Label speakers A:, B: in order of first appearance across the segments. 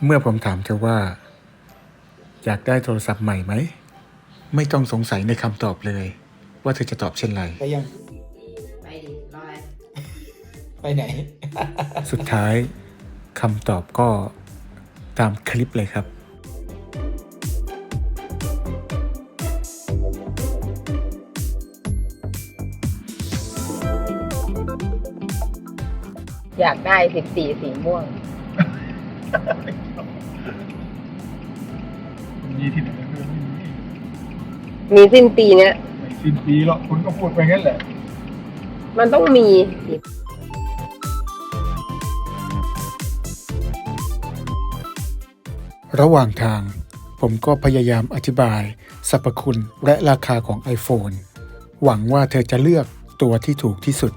A: เมื่อผมถามเธอว่าอยากได้โทรศัพท์ใหม่ไหมไม่ต้องสงสัยในคำตอบเลยว่าเธอจะตอบเช่นไร
B: ไปยัง
C: ไปดิรออะไร
B: ไปไหน
A: สุดท้ายคำตอบก็ตามคลิปเลยครับ
C: อยากได้14สีม่วง
D: มีที่ไหนก็ไม่มี
C: มีสิ้นปีเนี้ย
D: ไม่สิ้นปีหรอกคุณก็พูดไปงั้นแหละ
C: มันต้องมี
A: ระหว่างทางผมก็พยายามอธิบายสรรพคุณและราคาของ iPhone หวังว่าเธอจะเลือกตัวที่ถูกที่สุด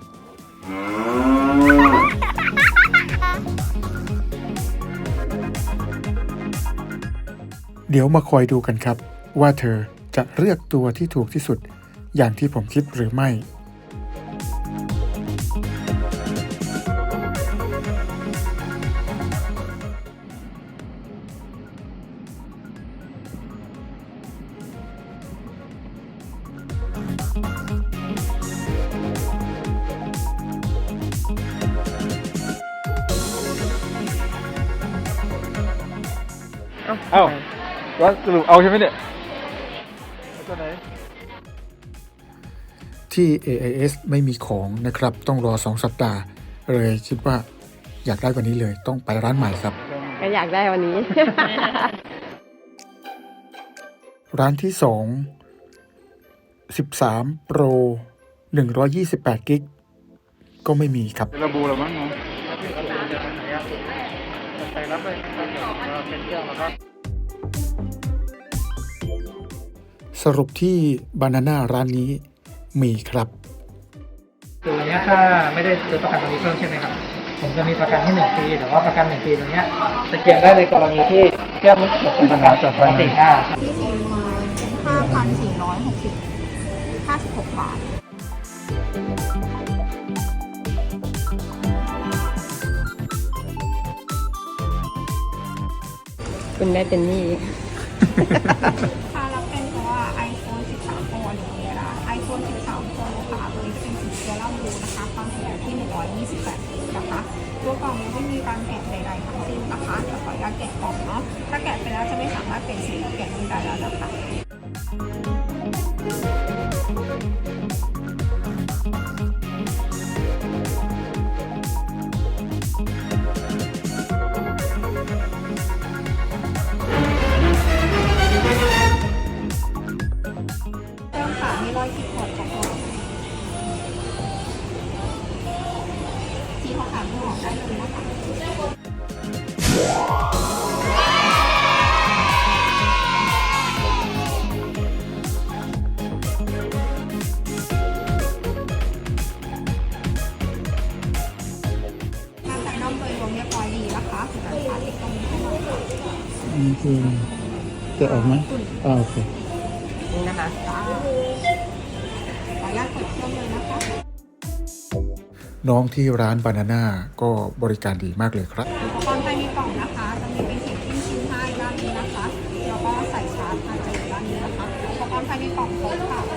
A: เดี๋ยวมาคอยดูกันครับว่าเธอจะเลือกตัวที่ถูกที่สุดอย่างที่ผมคิดหรือไม่
D: เอ้าว่าสรุปเอาใช่ไหมเนี่ยตัวไหน
A: ที่ AIS ไม่มีของนะครับต้องรอ2 สัปดาห์เลยคิดว่าอยากได้วันนี้เลยต้องไปร้านใหม่ครับ
C: ก็อยากได้วันนี้
A: ร้านที่ 2 13 Pro 128 กิกก็ไม่มีครับ
D: เป็นระบูแล้วมั้งเนาะไปรับเลยเป็นเครื่องแล้วก็
A: สรุปที่บานาน่าร้านนี้มีครับ
B: ตัวเนี้ยถ้าไม่ได้ซื้อประกันตัวนี้เพิ่มใช่ไหมครับ ผมจะมีประกันที่1 ปีแต่ว่าประกัน1 ปีตัวเนี้ยจะเกี่ยวได้ในกรณีที่เครื่องมันเกิดปัญหาจากปกติ
E: ที่ซื้อมา5,456 บาท
C: คุณได้เป็นหนี้
E: ถ้ารับเป็นเพราะว่า iPhone 13 Pro อย่างนี้นะ iPhone 13 Pro ค่ะตัวนี้จะเป็นสีเซรั่มบลูนะคะความถี่อยู่ที่128กิกนะคะตัวกล่องนี้ไม่มีการแกะใดๆทั้งสิ้นนะคะเดี๋ยวขออนุญาตแกะกล่องเนาะถ้าแกะไปแล้วจะไม่สามารถเปลี่ยนสีหรือแกะรูปได้แล้วนะคะเริ่มค่ะมีรอยขีดข่วนของกล่องที่เขาถามที่หมอได้เลยนะคะ ทางสายน้อมโดยรวมเรียบร้อยดีนะคะสาธิตตรงนี้ให้หน่อยค่ะ
A: นี่คือจะออกไหมโอเค
C: นี่นะคะ
E: ขออนุญาตเปิดเครื่องเลยนะคะ
A: น้องที่ร้านบานาน่าก็บริการดีมากเลยครับ
E: อุปกรณ์ภายในกล่องนะคะ จะมีเป็นเข็มจิ้มชิ้นให้ด้านนี้นะคะ แล้วก็ใส่ชาร์จมาเจอด้านนี้นะคะ อุปกรณ์ภายในกล่องครบค่ะ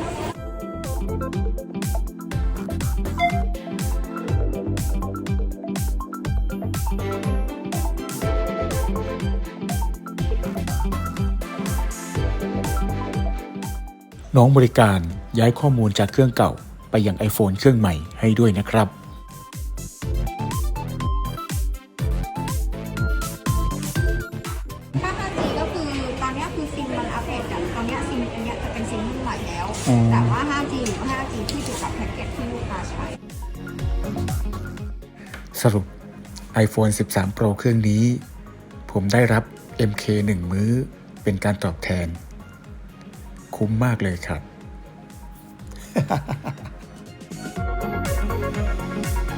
A: น้องบริการย้ายข้อมูลจากเครื่องเก่าไปยัง iPhone เครื่องใหม่ให้ด้วยนะครับ
E: ถ้า 5G ก็คือตอนนี้คือซิมมันอัปเดตจากตอนนี้ซิมอันนี้จะเป็นซิมรุ่นใหม่แล้ว แต่ว่า 5G หรือ 5G ที่อยู่กับแพ็กเกจที่ลูกค้าใช้
A: สรุป iPhone 13 Pro เครื่องนี้ ผมได้รับ MK 1 มื้อเป็นการตอบแทน คุ้มมากเลยครับ